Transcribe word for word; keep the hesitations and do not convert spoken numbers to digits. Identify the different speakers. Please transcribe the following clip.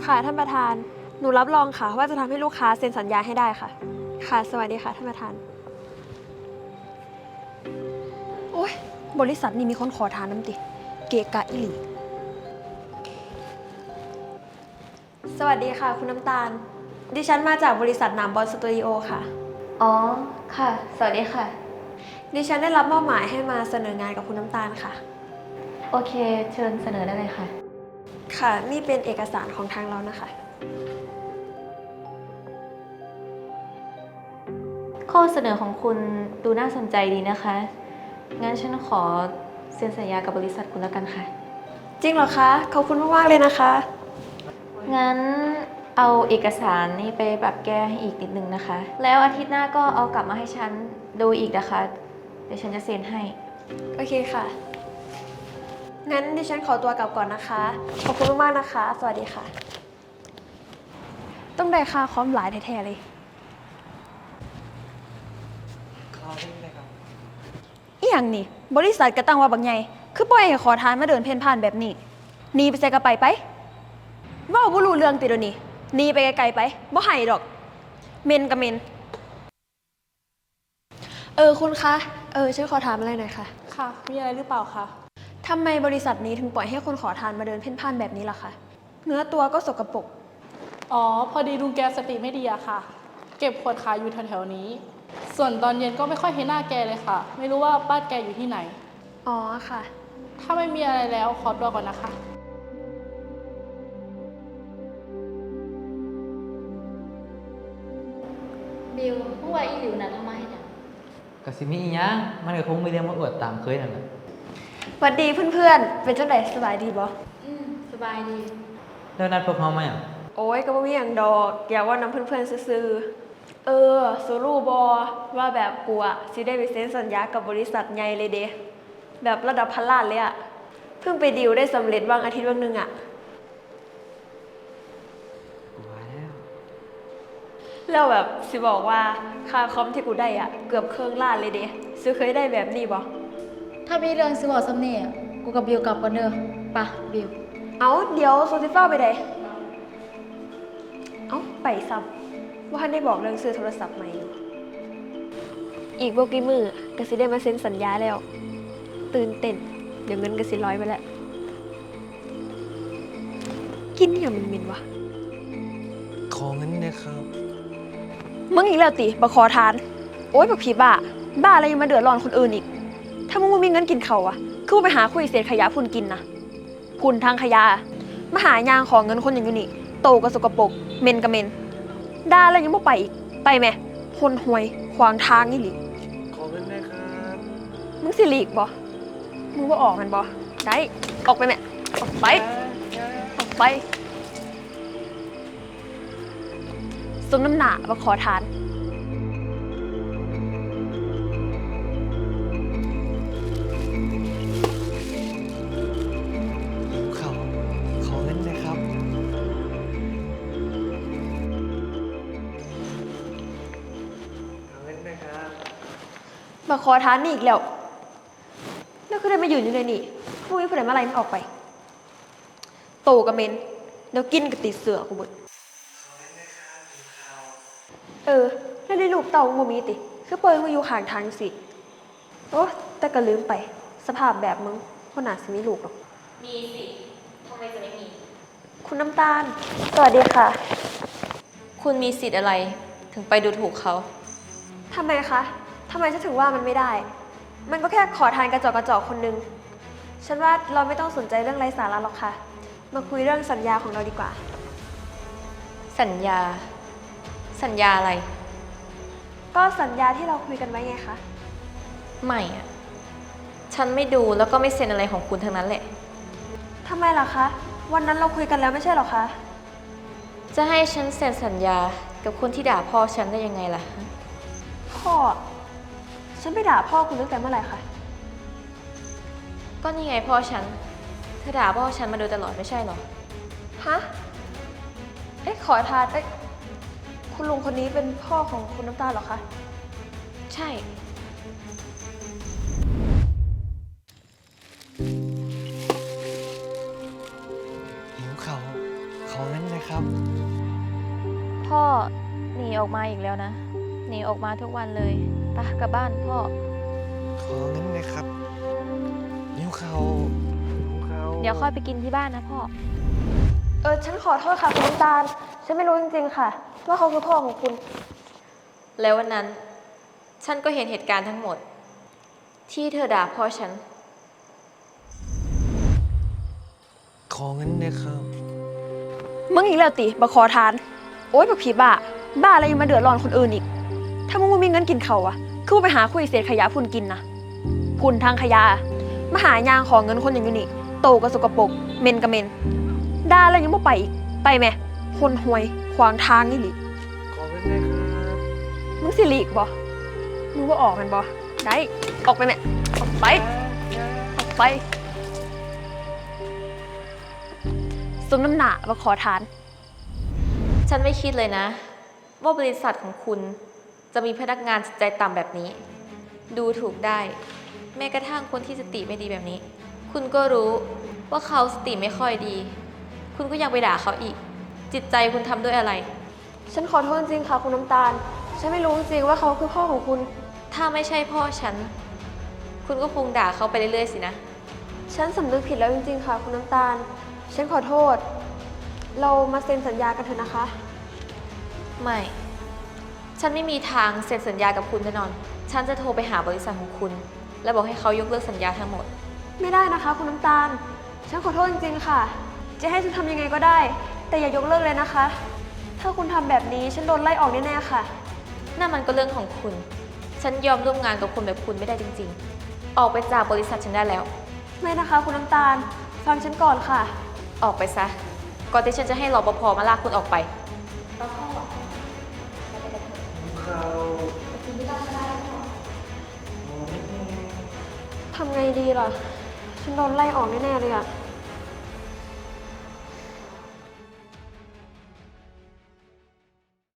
Speaker 1: ค่ะท่านประธาน หนูรับรองค่ะว่าจะทำให้ลูกค้าเซ็นสัญญาให้ได้ค่ะ ค่ะสวัสดีค่ะท่านประธาน โอ๊ยบริษัทนี้มีคนขอทานน้ำติ เกะกะอิหลี สวัสดีค่ะคุณน้ำตาล ดิฉันมาจากบริษัทหนามบอลสตูดิโอค่ะ
Speaker 2: อ๋อ ค่ะ สวัสดีค่ะ
Speaker 1: ดิฉันได้รับมอบหมายให้มาเสนองานกับคุณน้ำตาลค่ะ
Speaker 2: โอเค เชิญเสนอได้เลยค่ะ
Speaker 1: ค่ะ นี่เป็นเอกสารของทางเรานะคะ
Speaker 2: ข้อเสนอของคุณดูน่าสนใจดีนะคะ งั้นฉันขอเซ็นสัญญากับบริษัทคุณแล้วกันค่ะ
Speaker 1: จริงเหรอคะ ขอบคุณมากๆเลยนะคะ
Speaker 2: งั้นเอาเอกสารนี่ไปปรับแก้ให้อีกนิดนึงนะคะ แล้วอาทิตย์หน้าก็เอากลับมาให้ฉันดูอีกนะคะ เดี๋ยวฉันจะเซ็นให้
Speaker 1: โอเคค่ะ งั้นดิฉันขอตัวกลับก่อนนะคะ ขอบคุณมากๆนะคะ สวัสดีค่ะ ต้องได้ค่าคอมหลายแท้ๆเลย อีหยังนี่ บริษัทกระตั้งว่าบักใหญ่คือปล่อยให้ขอทานมาเดินเพ่นพ่านแบบนี้หนีไปใส่กระไปไปเว้าบ่รู้เรื่องติเดี๋ยวนี้หนีไปไกลๆไปบ่ให้ดอก เมนกับเมน เออคุณคะ เออฉันขอถามอะไรหน่อยค่ะ
Speaker 3: ค่ะ มีอะไรหรือเปล่าคะ
Speaker 1: ทำไมบริษัทนี้ถึงปล่อยให้คนขอทานมาเดินเพ่นพ่านแบบนี้ล่ะคะ เนื้อตัวก็สกปรก
Speaker 3: อ๋อ พอดีลุงแกสติไม่ดีอะค่ะ เก็บขวดขายอยู่แถวๆนี้ ส่วนตอนเย็นก็ไม่ค่อยเห็นหน้าแกเลยค่ะ ไม่รู้ว่าบ้านแกอยู่ที่ไหน
Speaker 1: อ๋อค่ะ
Speaker 3: ถ้าไม่มีอะไรแล้วขอตัวก่อนนะคะ
Speaker 2: บิวเมื่อวานอีหลิวนะทำไมเนี่ย
Speaker 4: กสิมีอีหยังมันก็คงมีเรื่องมาอวดตามเคยนั่นแหละ
Speaker 1: หวัดดีเพื่อนๆ เป็นจังไดสบายดีบ่
Speaker 2: อืม สบายดี
Speaker 4: แล้วนัดพวกเขามาหยัง
Speaker 1: โอ้ยก็บ่มีหยังดอก อยากว่าน้ำเพื่อนๆซื่อๆเออสูรู้บ่ว่าแบบกูอะสิได้ไปเซ็นสัญญากับบริษัทใหญ่เลยเด้แบบระดับพันล้านเลยอะเพิ่งไปดีลได้สำเร็จบางอาทิตย์บางหนึงอะ
Speaker 4: กูว่าแล้ว
Speaker 1: แล้วแบบสิบอกว่าค่าคอมที่กูได้อะเกือบครึ่งล้านเลยเด้ซื้อเคยได้แบบนี้บ่
Speaker 2: ถ้ามีเรื่องสิบอกซ้ำเนี่ยกูกับบิวกลับกันเด้อปะบิว
Speaker 1: เอาเดี๋ยวโซซิฟ้าไปได้เอาไปซ้ำว่าท่านได้บอกเรื่องซื้อโทรศัพท์ใหม่อยู่อีกบ่กี่มือก็สิได้มาเซ็นสัญญาแล้ว ตื่นเต้นเดี๋ยวเงินก็สิร้อยไปแล้ว กินอย่างมันมินวะ
Speaker 5: ขอเงินนะครับ
Speaker 1: มึงอีกแล้วติบักขอทาน โอ๊ยบักผีบ้า บ้าอะไรยังมาเดือดร้อนคนอื่นอีก ถ้ามึงบ่มีเงินกินเขาวอะคือมึงไปหาคุยเศษขยะพุ่นกินนะพุ่นทางขยะมาหายางของเงินคนอย่างอยู่นี่โตก็สกปรกเมนก็เมนด่าแล้วยังบ่ไปอีก ไปแม่คนห่วยขวางทางนี่หลิ
Speaker 5: ขอเงินนะครับ
Speaker 1: มึงสิหลีกบ่มึงบ่ออกมันบ่ได้ ออกไปแม่ ออกไป ออกไปสมน้ำหนาบักขอทาน
Speaker 5: หิวเขาวขอเงินนะครับ ขอเงินนะครับ
Speaker 1: มาขอทานนี่อีกแล้ว แล้วคือได้มาอยู่อยู่ในนี่พวกนี้ผู้ใดมาไล่มันออกไป โตกับเมนแล้วกินกับติดเสือกูเบิดเออ แล้วในรูปเต่ามึงบ่มีติ คือปล่อยมึงอยู่ข้างทางสิ โอ้แต่ก็ลืมไป สภาพแบบมึงคนหนาสิมีลูกหรอก
Speaker 2: มีสิทำไมจะไม่มี
Speaker 1: คุณน้ำตาล สวัสดีค่ะ
Speaker 2: คุณมีสิทธิ์อะไร ถึงไปดูถูกเขา
Speaker 1: ทำไมคะ ทำไมฉันถึงว่ามันไม่ได้ มันก็แค่ขอทานกระจอกกระจอกคนนึง ฉันว่าเราไม่ต้องสนใจเรื่องไร้สาระหรอกค่ะ มาคุยเรื่องสัญญาของเราดีกว่า
Speaker 2: สัญญา สัญญาอะไร
Speaker 1: ก็สัญญาที่เราคุยกันไว้ไงคะ
Speaker 2: ไม่อะฉันไม่ดูแล้วก็ไม่เซ็นอะไรของคุณทั้งนั้นแหละ
Speaker 1: ทำไมล่ะคะ วันนั้นเราคุยกันแล้วไม่ใช่หรอคะ
Speaker 2: จะให้ฉันเซ็นสัญญากับคนที่ด่าพ่อฉันได้ยังไงล่ะ
Speaker 1: พ่อ ฉันไปด่าพ่อคุณตั้งแต่เมื่อไหร่คะ
Speaker 2: ก็นี่ไงพ่อฉัน เธอด่าพ่อฉันมาโดยตลอดไม่ใช่หรอ
Speaker 1: ฮะ เอ๊ะขอทาน เอ๊ะคุณลุงคนนี้เป็นพ่อของคุณน้ำตาลเหรอคะ
Speaker 2: ใช่
Speaker 5: หิวเขาวขอเงินนะนะครับ
Speaker 2: พ่อหนีออกมาอีกแล้วนะ หนีออกมาทุกวันเลยไปกลับบ้านพ่อ
Speaker 5: ขอเงินนะครับนิ้วเขานิ้วเขา
Speaker 2: เดี๋ยวค่อยไปกินที่บ้านนะพ่อ
Speaker 1: เออฉันขอโทษค่ะคุณน้ำตาล ฉันไม่รู้จริงๆค่ะ ว่าเขาคือพ่อของคุณ
Speaker 2: แล้ววันนั้น ฉันก็เห็นเหตุการณ์ทั้งหมด ที่เธอด่าพ่อฉัน
Speaker 5: ขอเงินนะครับ
Speaker 1: มึงอีกแล้วติบักขอทาน โอ๊ยบักผีบ้า บ้าอะไรยังมาเดือดร้อนคนอื่นอีก ถ้ามึงบ่มีเงินกินเขาวอะคือมึงไปหาคุยเศษขยะพุ่นกินนะพุ่นทางขยะมาหายางของเงินคนอย่างอยู่นี่โตก็สกปรกเมนก็เมนด่าแล้วยังบ่ไปอีก ไปแม่คนห่วยขวางทางนี่หลิ
Speaker 5: ขอเงินนะครับ
Speaker 1: มึงสิหลีกบ่มึงว่าออกแมันบ่ได้ ออกไปแม่ออกไป ออกไปสมน้ำหนาบักขอทาน
Speaker 2: ฉันไม่คิดเลยนะ ว่าบริษัทของคุณจะมีพนักงานจิตใจต่ำแบบนี้ ดูถูกได้ แม้กระทั่งคนที่สติไม่ดีแบบนี้ คุณก็รู้ว่าเขาสติไม่ค่อยดี คุณก็ยังไปด่าเขาอีก จิตใจคุณทำด้วยอะไร
Speaker 1: ฉันขอโทษจริงๆค่ะคุณน้ำตาล ฉันไม่รู้จริงๆว่าเขาคือพ่อของคุณ
Speaker 2: ถ้าไม่ใช่พ่อฉัน คุณก็คงด่าเขาไปเรื่อยๆสินะ
Speaker 1: ฉันสำนึกผิดแล้วจริงๆค่ะคุณน้ำตาล ฉันขอโทษ เรามาเซ็นสัญญากันเถอะนะคะ
Speaker 2: ไม่ ฉันไม่มีทางเซ็นสัญญากับคุณแน่นอน ฉันจะโทรไปหาบริษัทของคุณ และบอกให้เขายกเลิกสัญญาทั้งหมด
Speaker 1: ไม่ได้นะคะคุณน้ำตาล ฉันขอโทษจริงๆค่ะ จะให้ฉันทำยังไงก็ได้ แต่อย่ายกเลิกเลยนะคะ ถ้าคุณทำแบบนี้ฉันโดนไล่ออกแน่ๆค่ะ
Speaker 2: นั่นมันก็เรื่องของคุณ ฉันยอมร่วมงานกับคนแบบคุณไม่ได้จริงๆ ออกไปจากบริษัทฉันได้แล้ว
Speaker 1: ไม่นะคะคุณน้ำตาล ฟังฉันก่อนค่ะ
Speaker 2: ออกไปซะ ก่อนที่ฉันจะให้รปภมาลากคุณออกไป
Speaker 1: ทำไงดีล่ะ ฉันโดนไล่ออกแน่ๆเลยอะ